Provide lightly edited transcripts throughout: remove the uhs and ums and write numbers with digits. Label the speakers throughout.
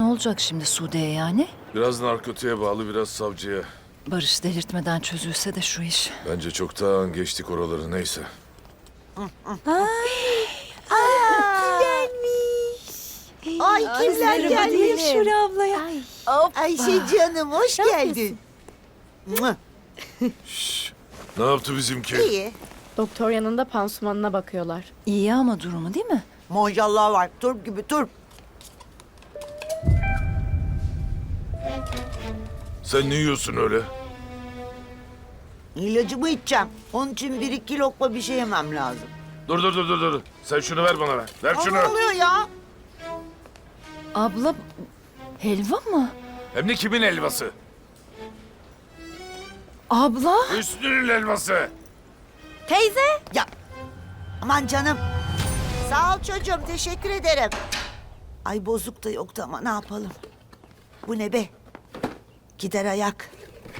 Speaker 1: olacak şimdi Sude'ye yani?
Speaker 2: Biraz narkotiğe bağlı, biraz savcıya.
Speaker 1: Barış delirtmeden çözülse de şu iş.
Speaker 2: Bence çoktan geçtik oraları, neyse.
Speaker 3: Ay kimler gelmiş?
Speaker 1: Şule ablaya.
Speaker 3: Ayşe canım hoş geldin. Mua,
Speaker 2: Ne yaptı bizimki?
Speaker 3: İyi.
Speaker 4: Doktor yanında pansumanına bakıyorlar.
Speaker 1: İyi ama durumu değil mi?
Speaker 3: Maşallah var. Turp gibi turp.
Speaker 2: Sen ne yiyorsun öyle?
Speaker 3: İlacımı içeceğim. Onun için 1-2 lokma bir şey yemem lazım.
Speaker 2: Dur. Sen şunu ver bana. Ver
Speaker 3: Aa,
Speaker 2: şunu.
Speaker 3: ne oluyor ya?
Speaker 1: Abla helva mı?
Speaker 2: Hem de kimin helvası?
Speaker 1: Abla?
Speaker 2: Hüsnü'nün helvası.
Speaker 3: Teyze. Ya aman canım. Sağ ol çocuğum teşekkür ederim. Ay bozuk da yoktu ama ne yapalım. Bu ne be? Gider ayak.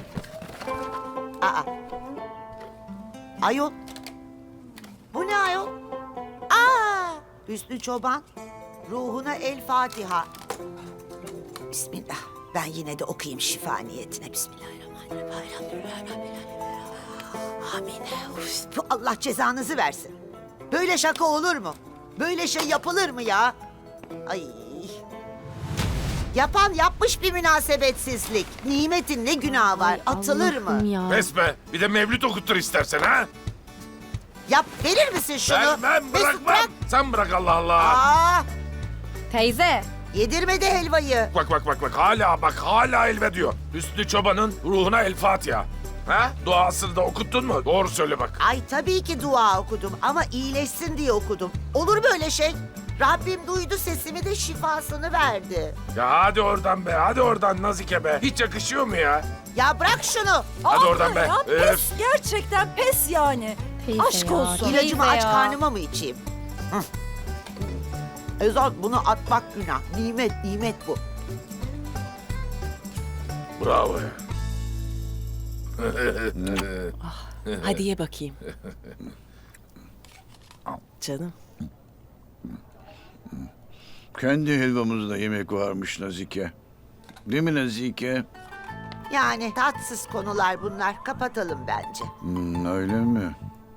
Speaker 3: Aa. Ayol. Bu ne ayol? Aa! Hüsnü Çoban. Ruhuna el Fatiha. Bismillah. Ben yine de okuyayım şifa niyetine. Bismillahirrahmanirrahim. Amin. Uf, bu Allah cezanızı versin. Böyle şaka olur mu? Böyle şey yapılır mı ya? Ay. Yapan yapmış bir münasebetsizlik. Nimetin ne günahı var?
Speaker 4: Ay,
Speaker 3: Atılır
Speaker 4: Allah'ım
Speaker 3: mı?
Speaker 4: Ya.
Speaker 2: Pes be. Bir de mevlüt okuttur istersen ha.
Speaker 3: Yap, verir misin şunu?
Speaker 2: Ben
Speaker 3: Mesut,
Speaker 2: bırakmam.
Speaker 3: bırak.
Speaker 2: Sen bırak Allah Allah.
Speaker 3: Aa,
Speaker 4: Teyze.
Speaker 3: yedirmedi helvayı.
Speaker 2: Bak. Hala elve diyor. Hüsnü Çoban'ın ruhuna el Fatiha. Ha? Duasını da okuttun mu? Doğru söyle bak.
Speaker 3: Ay tabii ki dua okudum ama iyileşsin diye okudum. Olur böyle şey. Rabbim duydu sesimi de şifasını verdi.
Speaker 2: Ya hadi oradan be. Hadi oradan Nazike be. Hiç yakışıyor mu ya?
Speaker 3: Ya bırak şunu.
Speaker 2: Hadi oradan be.
Speaker 1: Ya
Speaker 2: Öf.
Speaker 1: pes, gerçekten pes yani.
Speaker 4: Teyze
Speaker 1: Aşk
Speaker 4: ya.
Speaker 1: olsun.
Speaker 3: İlacımı
Speaker 4: Teyze
Speaker 3: aç
Speaker 4: ya.
Speaker 3: karnıma mı içeyim? Hı. Ezat bunu atmak günah. Nimet bu.
Speaker 2: Bravo ya.
Speaker 5: Hadi ye bakayım. Canım.
Speaker 6: Kendi helvamızda yemek varmış Nazike. Değil mi Nazike?
Speaker 3: Yani tatsız konular bunlar. Kapatalım bence.
Speaker 6: Öyle mi?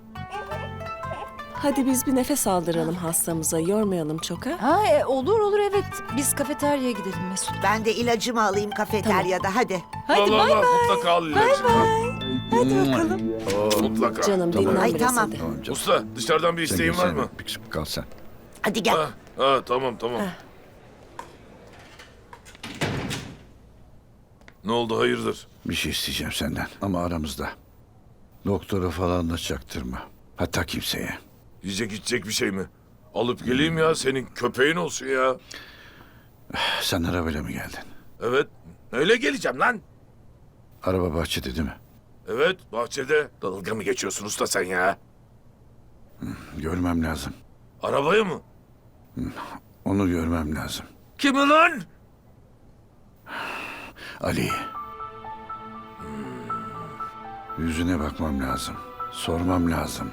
Speaker 5: Hadi biz bir nefes aldıralım hastamıza. Yormayalım çok ha.
Speaker 1: Ha olur evet. Biz kafeteryaya gidelim Mesut.
Speaker 3: Ben de ilacımı alayım kafeteryada. Hadi.
Speaker 2: Allah, mutlaka al ilacını.
Speaker 5: Hadi bakalım.
Speaker 2: Mutlaka.
Speaker 5: Canım
Speaker 6: Tamam.
Speaker 5: dinlen
Speaker 3: Ay,
Speaker 5: biraz
Speaker 3: tamam.
Speaker 5: hadi.
Speaker 6: Tamam canım.
Speaker 2: Usta dışarıdan bir
Speaker 6: Sen
Speaker 2: isteğin var
Speaker 6: gelsene.
Speaker 2: mı?
Speaker 6: Bir kısmı kal sen.
Speaker 3: Hadi gel.
Speaker 2: Tamam. Ne oldu hayırdır?
Speaker 6: Bir şey isteyeceğim senden ama aramızda. Doktora falan da çaktırma. Hatta kimseye.
Speaker 2: Yiyecek içecek bir şey mi? Alıp geleyim ya senin köpeğin olsun ya.
Speaker 6: Sen arabayla mı geldin?
Speaker 2: Evet. Öyle geleceğim lan.
Speaker 6: Araba bahçede değil mi?
Speaker 2: Evet bahçede. Dalga mı geçiyorsun usta sen ya?
Speaker 6: Görmem lazım.
Speaker 2: Arabaya mı?
Speaker 6: Onu görmem lazım.
Speaker 2: Kimi lan?
Speaker 6: Ali. Yüzüne bakmam lazım. Sormam lazım.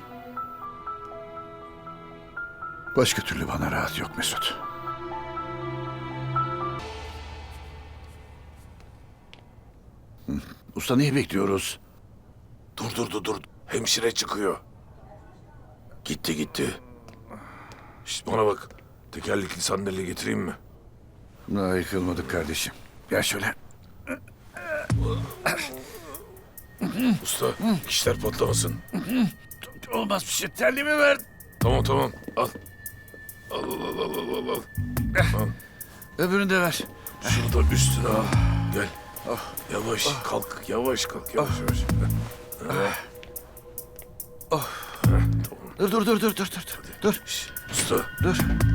Speaker 6: Başka türlü bana rahat yok Mesut. Usta neyi bekliyoruz?
Speaker 2: Dur. Hemşire çıkıyor. Gitti. Şişt bana bak. Tekerlekli sandalye getireyim mi?
Speaker 6: Daha yıkılmadık kardeşim. Gel şöyle.
Speaker 2: Usta kişiler patlamasın.
Speaker 6: Olmaz bir şey. Terliğimi ver.
Speaker 2: Tamam. Al. Al.
Speaker 6: Öbürünü de ver.
Speaker 2: Şurada üstüne al. Gel. Yavaş kalk. Yavaş.
Speaker 6: Dur. Dur.
Speaker 2: Usta.
Speaker 6: Dur.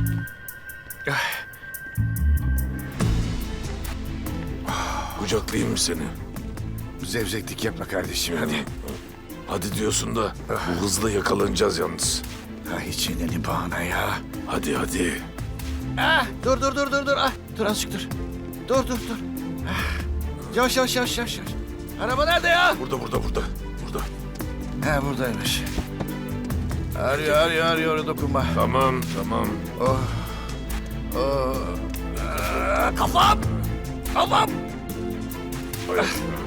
Speaker 2: Kucaklayayım mı seni?
Speaker 6: Zevzeklik yapma kardeşim hadi.
Speaker 2: Hadi diyorsun da bu hızla yakalanacağız yalnız.
Speaker 6: Ha hiç yeneni bahane ya.
Speaker 2: Hadi.
Speaker 6: Dur. Ah, dur azıcık dur. Dur. Ah. Yavaş. Araba nerede ya?
Speaker 2: Burada.
Speaker 6: He buradaymış. Arıyor dokunma.
Speaker 2: Tamam.
Speaker 6: Oh.
Speaker 2: Kafam! Kafam!